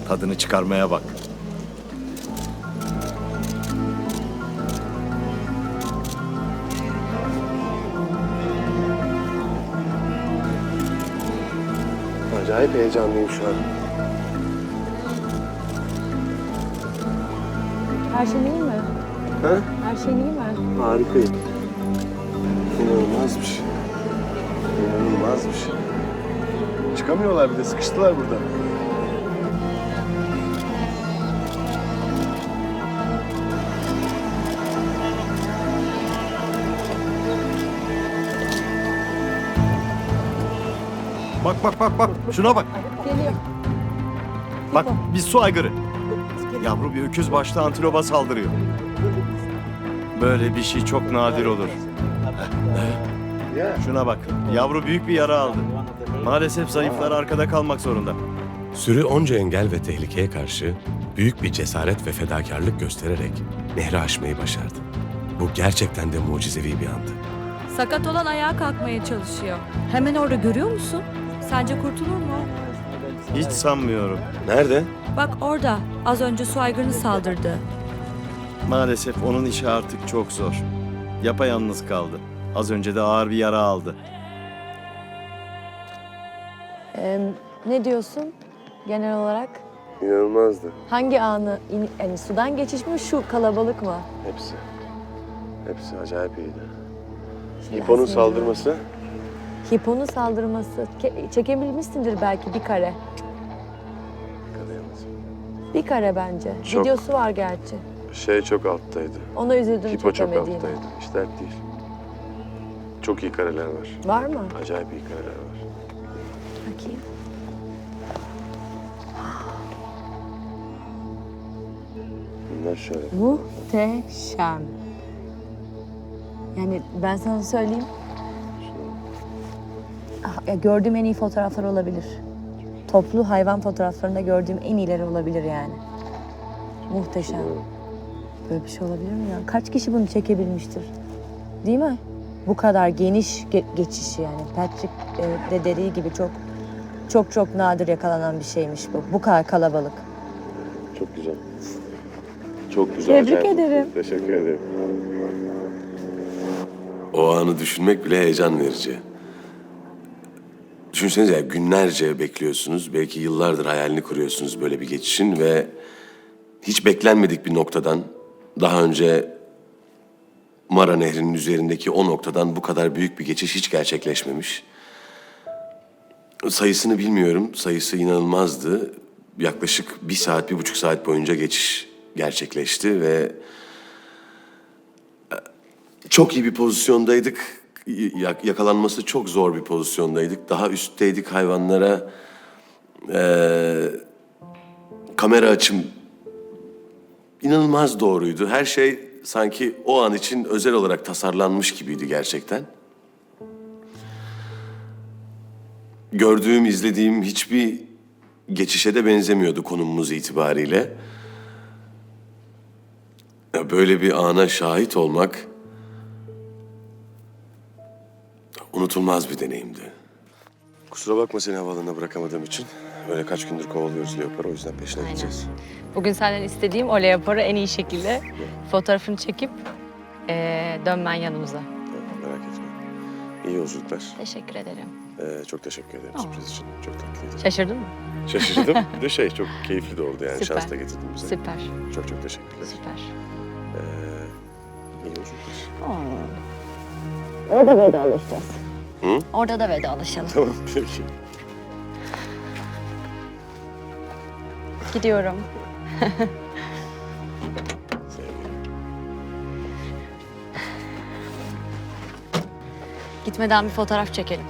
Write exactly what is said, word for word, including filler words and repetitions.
Tadını çıkarmaya bak. Acayip heyecanlıyım şu an. Her şey iyi mi? Ha? Her şey iyi mi? Harikayım. İnanılmaz bir şey. İnanılmaz bir şey. Çıkamıyorlar bir de, sıkıştılar burada. Bak bak bak bak. Şuna bak. Geliyor. Bak bir su aygırı. Yavru bir öküz başlı antilopa saldırıyor. Böyle bir şey çok nadir olur. Ya. Şuna bak. Yavru büyük bir yara aldı. Maalesef zayıflar arkada kalmak zorunda. Sürü onca engel ve tehlikeye karşı büyük bir cesaret ve fedakarlık göstererek nehri aşmayı başardı. Bu gerçekten de mucizevi bir andı. Sakat olan ayağa kalkmaya çalışıyor. Hemen orada görüyor musun? Sence kurtulur mu? Hiç sanmıyorum. Nerede? Bak orada. Az önce su aygırını saldırdı. Maalesef onun işi artık çok zor. Yapayalnız kaldı. Az önce de ağır bir yara aldı. Ee, ne diyorsun genel olarak? İnanılmazdı. Hangi anı, in- yani sudan geçiş mi, şu kalabalık mı? Hepsi. Hepsi acayip iyiydi. Şimdi Hiponun aslında- saldırması. Hiponun saldırması. Ke- çekebilmişsindir belki bir kare. Yakalayamaz. Bir kare bence. Çok. Videosu var gerçi. Şey çok alttaydı. Ona üzüldüm Hipo çok çekemediğime. alttaydı. Hiç dert değil. Çok iyi kareler var. Var mı? Acayip iyi kareler var. Bakayım. Bunlar şöyle. Muhteşem. Yani ben sana söyleyeyim. Ah, ya gördüğüm en iyi fotoğraflar olabilir. Toplu hayvan fotoğraflarında gördüğüm en iyileri olabilir yani. Muhteşem. Böyle bir şey olabilir mi ya? Kaç kişi bunu çekebilmiştir? Değil mi? Bu kadar geniş ge- geçişi yani. Patrick e, de dediği gibi çok çok çok nadir yakalanan bir şeymiş bu. Bu kadar kalabalık. Çok güzel. Çok güzel. Tebrik acayip. ederim. Teşekkür ederim. O anı düşünmek bile heyecan verici. Düşünsenize ya, günlerce bekliyorsunuz. Belki yıllardır hayalini kuruyorsunuz böyle bir geçişin ve hiç beklenmedik bir noktadan, daha önce Mara Nehri'nin üzerindeki o noktadan bu kadar büyük bir geçiş hiç gerçekleşmemiş. Sayısını bilmiyorum. Sayısı inanılmazdı. Yaklaşık bir saat, bir buçuk saat boyunca geçiş gerçekleşti ve çok iyi bir pozisyondaydık. Yak- Yakalanması çok zor bir pozisyondaydık. Daha üstteydik, hayvanlara eee, kamera açım inanılmaz doğruydu. Her şey sanki o an için özel olarak tasarlanmış gibiydi gerçekten. Gördüğüm, izlediğim hiçbir geçişe de benzemiyordu konumumuz itibariyle. Ya böyle bir ana şahit olmak unutulmaz bir deneyimdi. Kusura bakma seni havaalanına bırakamadığım için. Öyle kaç gündür kovalıyoruz Leopar'ı, o yüzden peşine gideceğiz. Bugün senden istediğim o leoparı en iyi şekilde fotoğrafını çekip eee, dönmen yanımıza. Tamam, merak etme. İyi yolculuklar. Teşekkür ederim. Ee, çok teşekkür ederim sürpriz için. Çok tatlıydı. Şaşırdın mı? Şaşırdım. Bir de şey çok keyifli de oldu yani. Süper. Şans da getirdin bize. Süper, Çok çok teşekkürler. süper. Ee, iyi yolculuklar. Orada vedalaşacağız. Hı? Orada da vedalaşalım. Tamam peki. Gidiyorum. Sevgilim. Gitmeden bir fotoğraf çekelim.